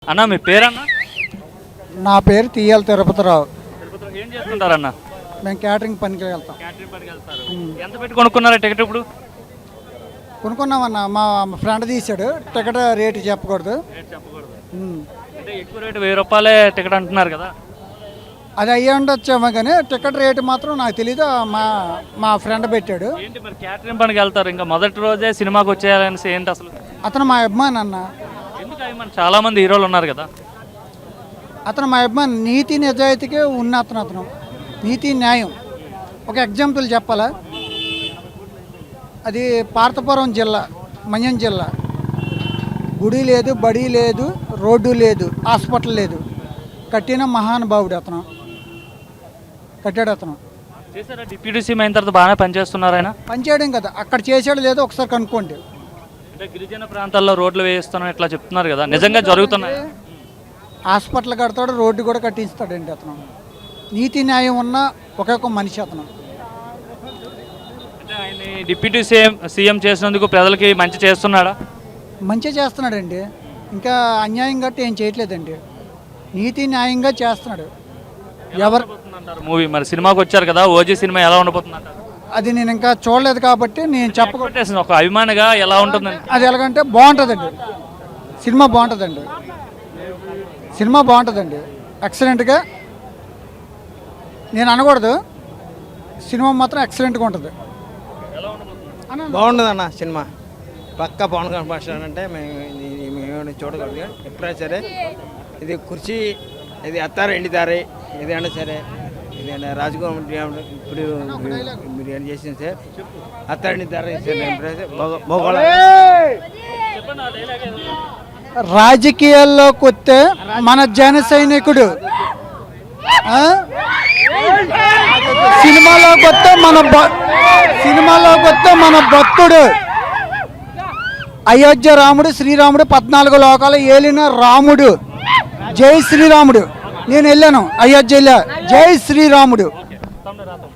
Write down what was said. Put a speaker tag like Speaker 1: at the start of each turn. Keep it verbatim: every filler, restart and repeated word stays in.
Speaker 1: అన్న మీ పేరన్నా?
Speaker 2: నా పేరు టీఎల్ తిరుపతిరావు.
Speaker 1: తిరుపతిలో ఏం చేస్తుంటారన్న?
Speaker 2: మేము క్యాటరింగ్ పనికి వెళ్తాం.
Speaker 1: క్యాటరింగ్ పనికి వెళ్తారు. ఎంత పెట్టి కొనుక్కున్నారా టికెట్ ఇప్పుడు?
Speaker 2: కొనుక్కున్నామన్న, మా ఫ్రెండ్ తీసాడు. టికెట్ రేటు చెప్పకూడదు.
Speaker 1: రేట్ చెప్పకూడదు.
Speaker 2: ఉమ్.
Speaker 1: అంటే ఎక్కువ రేటు వెయ్యి రూపాయలే టికెట్ అంటున్నారు కదా.
Speaker 2: అది అయ్యి ఉండొచ్చేమో కానీ టికెట్ రేటు మాత్రం నాకు తెలీదు. మా మా ఫ్రెండ్ పెట్టాడు.
Speaker 1: ఏంటి మరి క్యాటరింగ్ పనికి వెళ్తారు, ఇంకా మొదటి రోజే సినిమాకి వచ్చేయాలనేసి ఏంటి అసలు?
Speaker 2: అతను మా అభిమాని అన్న.
Speaker 1: ఎందుకు అవి మన చాలా మంది హీరోలు ఉన్నారు కదా.
Speaker 2: అతను మా అభిమాని. నీతి నిజాయితీకే ఉన్న అతను అతను నీతి న్యాయం. ఒక ఎగ్జాంపుల్ చెప్పాలా, అది పార్తపురం జిల్లా, మన్యం జిల్లా. గుడి లేదు, బడి లేదు, రోడ్డు లేదు, హాస్పిటల్ లేదు. కట్టిన మహానుభావుడు అతను. కట్టాడు అతను.
Speaker 1: చేశారా డిప్యూటీ సీఎం అయిన తర్వాత బాగానే పనిచేస్తున్నారు ఆయన?
Speaker 2: పనిచేయడం కదా, అక్కడ చేసాడు లేదో ఒకసారి కనుక్కోండి.
Speaker 1: అంటే గిరిజన ప్రాంతాల్లో రోడ్లు వేయిస్తున్నాం ఇట్లా చెప్తున్నారు కదా, నిజంగా జరుగుతున్నాయి?
Speaker 2: హాస్పిటల్ కడతాడు, రోడ్డు కూడా కట్టిస్తాడండి అతను. నీతి న్యాయం ఉన్న ఒక్కొక్క మనిషి అతను.
Speaker 1: అంటే ఆయన డిప్యూటీ సీఎం సీఎం చేసినందుకు ప్రజలకి మంచి చేస్తున్నాడా?
Speaker 2: మంచిగా చేస్తున్నాడండి. ఇంకా అన్యాయం గట్టి ఏం చేయట్లేదండి. నీతి న్యాయంగా చేస్తున్నాడు. ఎవరు
Speaker 1: మూవీ మరి సినిమాకి వచ్చారు కదా, ఓజీ సినిమా ఎలా ఉండబోతుంది?
Speaker 2: అది నేను ఇంకా చూడలేదు కాబట్టి నేను చెప్పకూడదు.
Speaker 1: ఒక అభిమానిగా ఎలా ఉంటుందండి?
Speaker 2: అది ఎలాగంటే బాగుంటుందండి. సినిమా బాగుంటుందండి. సినిమా బాగుంటుందండి. ఎక్సలెంట్గా నేను అనకూడదు. సినిమా మాత్రం ఎక్సలెంట్గా ఉంటుంది.
Speaker 3: బాగుంటుంది అన్న సినిమా. పక్క పవన్ కళ్యాణ్ భాష అంటే మేము మేము చూడగలదు. ఎప్పుడైనా సరే ఇది కుర్చీ, ఇది అత్తారు ఎండిదారి, ఇది అయినా సరే ఇది రాజకీయ ఇప్పుడు మీరు ఏం చేసింది సార్, అత్తారండి దారి
Speaker 2: రాజకీయాల్లోకి వస్తే మన జన సైనికుడు, సినిమాలోకి వస్తే మన సినిమాలోకి వస్తే మన భక్తుడు, అయోధ్య రాముడు, శ్రీరాముడు, పద్నాలుగు లోకాలు ఏలిన రాముడు. జై శ్రీరాముడు. నేను వెళ్ళాను అయోధ్య, వెళ్ళా. జై శ్రీరాముడు.